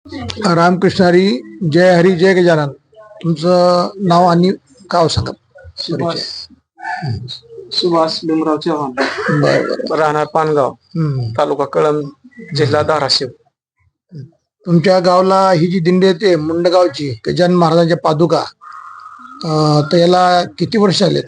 रामकृष्ण हरी. जय हरी जय गजानन. तुमचं नाव आणि गाव सांगा. सुभाष सुभाष भीमराव चव्हाण, बरं. राहणार पानगाव, तालुका कळंब, जिल्हा धाराशिव. तुमच्या गावला ही जी दिंडी येते मुंडगावची गजानन महाराजांच्या पादुका, तर याला किती वर्ष आले?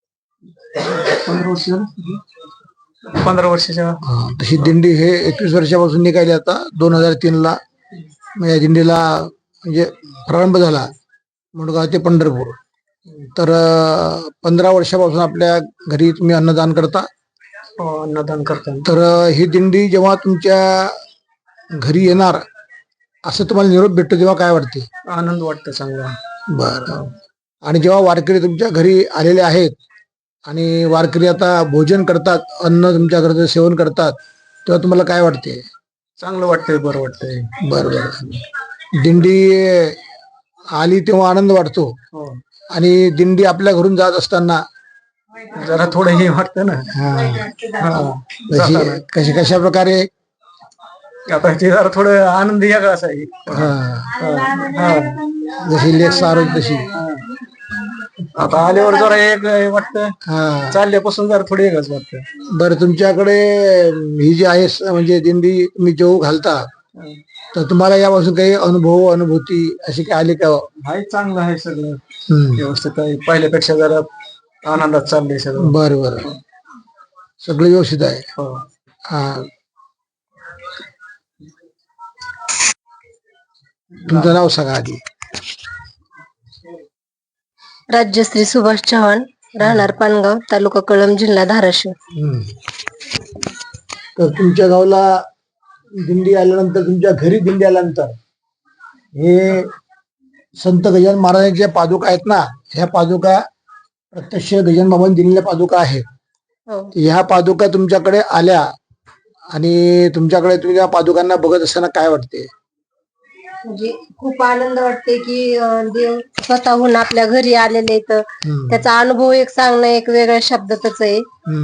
15 वर्षाच्या. तशी दिंडी हे 21 वर्षापासून निघाली. आता 2003ला या दिंडीला म्हणजे प्रारंभ झाला मुंडगाव ते पंढरपूर. तर 15 वर्षापासून आपल्या घरी तुम्ही अन्नदान करता. अन्नदान करता. तर ही दिंडी जेव्हा तुमच्या घरी येणार असं तुम्हाला निरोप भेटतो तेव्हा काय वाटते? आनंद वाटतो चांगला. बरं. आणि जेव्हा वारकरी तुमच्या घरी आलेले आहेत आणि वारकरी आता भोजन करतात, अन्न तुमच्या घरचं सेवन करतात, तेव्हा तुम्हाला काय वाटते? चांगलं वाटतंय, बरं वाटतंय. बरं. दिंडी आली तेव्हा आनंद वाटतो. आणि दिंडी आपल्या घरून जात असताना जरा थोडं हे वाटतं ना. कशा प्रकारे आता ते जरा थोडं आनंद वेगळाच आहे. जशी लेख सारोज तशी आता आल्यावर जरा एक वाटतं, चालल्यापासून जरा थोडं वेगळंच वाटतं. बरं. तुमच्याकडे ही जी आहे म्हणजे दिंडी तुम्ही जेव घालता, तर तुम्हाला यापासून काही अनुभूती अशी काही आली का? आहे, चांगलं आहे, सगळं व्यवस्थित आहे. पहिल्यापेक्षा जरा आनंदात चाललंय सगळं. बरं. सगळं व्यवस्थित आहे. हा. तुमचं नाव सांगा आधी. राज्यश्री सुभाष चव्हाण, राहणार पानगाव, तालुका कळंब, जिल्हा धाराशिव. तर तुमच्या गावला दिंडी आल्यानंतर, तुमच्या घरी दिंडी आल्यानंतर हे संत गजानन महाराजांच्या पादुका आहेत ना, ह्या पादुका प्रत्यक्ष गजानन बाबांनी दिलेल्या पादुका आहेत. ह्या पादुका तुमच्याकडे आल्या आणि तुमच्याकडे तुम्ही त्या पादुकांना बघत असताना काय वाटते? म्हणजे खूप आनंद वाटते की देव स्वतःहून आपल्या घरी आलेले, तर त्याचा अनुभव एक सांगणं एक वेगळ्या शब्दातच आहे.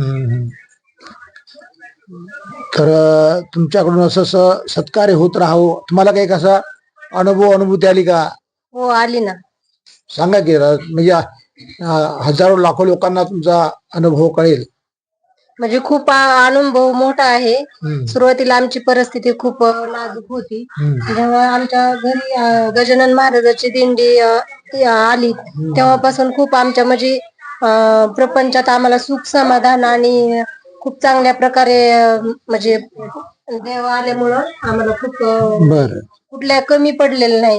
तर तुमच्याकडून असं सत्कार्य होत राहावं. तुम्हाला काही कसा अनुभूती आली का? हो, आली ना. सांगा की. म्हणजे हजारो लाखो लोकांना तुमचा अनुभव कळेल. म्हणजे खूप अनुभव मोठा आहे. सुरुवातीला आमची परिस्थिती खूप नाजूक होती. जेव्हा आमच्या घरी गजानन महाराजांची दिंडी आली तेव्हापासून खूप आमच्या म्हणजे प्रपंचात आम्हाला सुख समाधान आणि खूप चांगल्या प्रकारे म्हणजे देव आल्यामुळं आम्हाला खूप कुठल्या कमी पडलेलं नाही.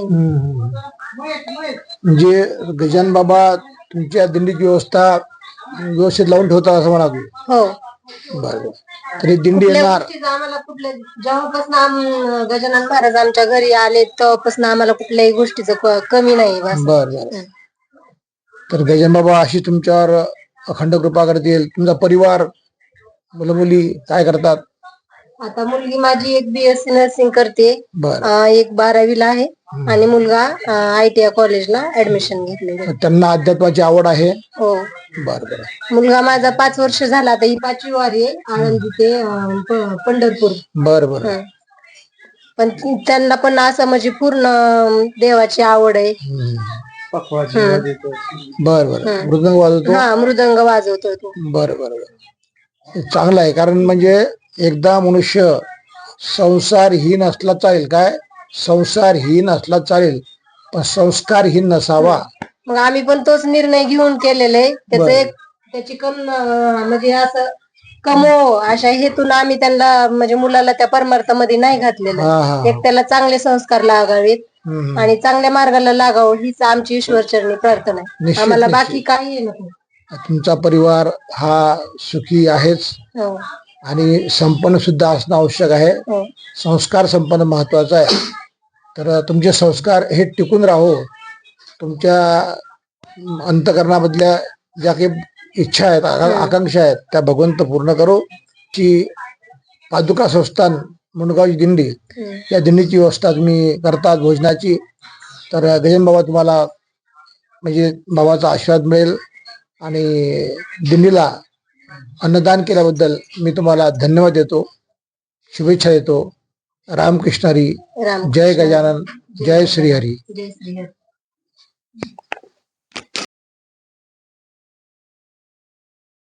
म्हणजे गजानन बाबा तुमच्या दिंडीची व्यवस्था व्यवस्थित लावून ठेवतात असं म्हणा. हो. बरं. तरी दिंडी येणार आम्हाला कुठल्या जेव्हापासून गजानन महाराज आमच्या घरी आले तेव्हापासून आम्हाला कुठल्याही गोष्टीचं कमी नाही. बरं. तर गजानन बाबा अशी तुमच्यावर अखंड कृपा करतील. तुमचा परिवार, मुलं मुली काय करतात? आता मुलगी माझी एक BSc नर्सिंग करते, एक 12वीला आहे आणि मुलगा ITI कॉलेजला ऍडमिशन घेतले. त्यांना अध्यात्माची आवड आहे. हो. बरं. मुलगा माझा 5 वर्ष झाला, आता ही 5वी वारी आहे, आळंदी ते पंढरपूर. बरं. पण त्यांना पण असं म्हणजे पूर्ण देवाची आवड आहे. बरं. मृदंग वाजवतो. मृदंग वाजवतो तो. बरं. चांगलं आहे. कारण म्हणजे एकदा मनुष्य संसारहीन असला चालेल, काय संसारहीन असला चालेल, पण संस्कारहीन नसावा. मग आम्ही पण तोच निर्णय घेऊन केलेला आहे. त्याची म्हणजे असं कमो अशा हेतून आम्ही त्यांना म्हणजे मुलाला त्या परमार्थामध्ये नाही घातलेलं. एक त्याला चांगले संस्कार लागावेत आणि चांगल्या मार्गाला लागावं हीच आमची ईश्वरचरणी प्रार्थना आहे. आम्हाला बाकी काही नको. तुमचा परिवार हा सुखी आहेच आणि संपन्न सुद्धा असणं आवश्यक आहे. संस्कार संपन्न महत्वाचा आहे. तर तुमचे संस्कार हे टिकून राहो. तुमच्या अंतकरणामधल्या ज्या काही इच्छा आहेत, आकांक्षा आहेत, त्या भगवंत पूर्ण करो. ची पादुका संस्थान मुंडगावची दिंडी, या दिंडीची व्यवस्था तुम्ही करतात भोजनाची. तर गजानन बाबा तुम्हाला म्हणजे बाबाचा आशीर्वाद मिळेल आणि दिंडीला अन्नदान केल्याबद्दल मी तुम्हाला धन्यवाद देतो, शुभेच्छा देतो. रामकृष्ण हरी. राम जय गजानन. जय श्रीहरी. जय श्री हरी.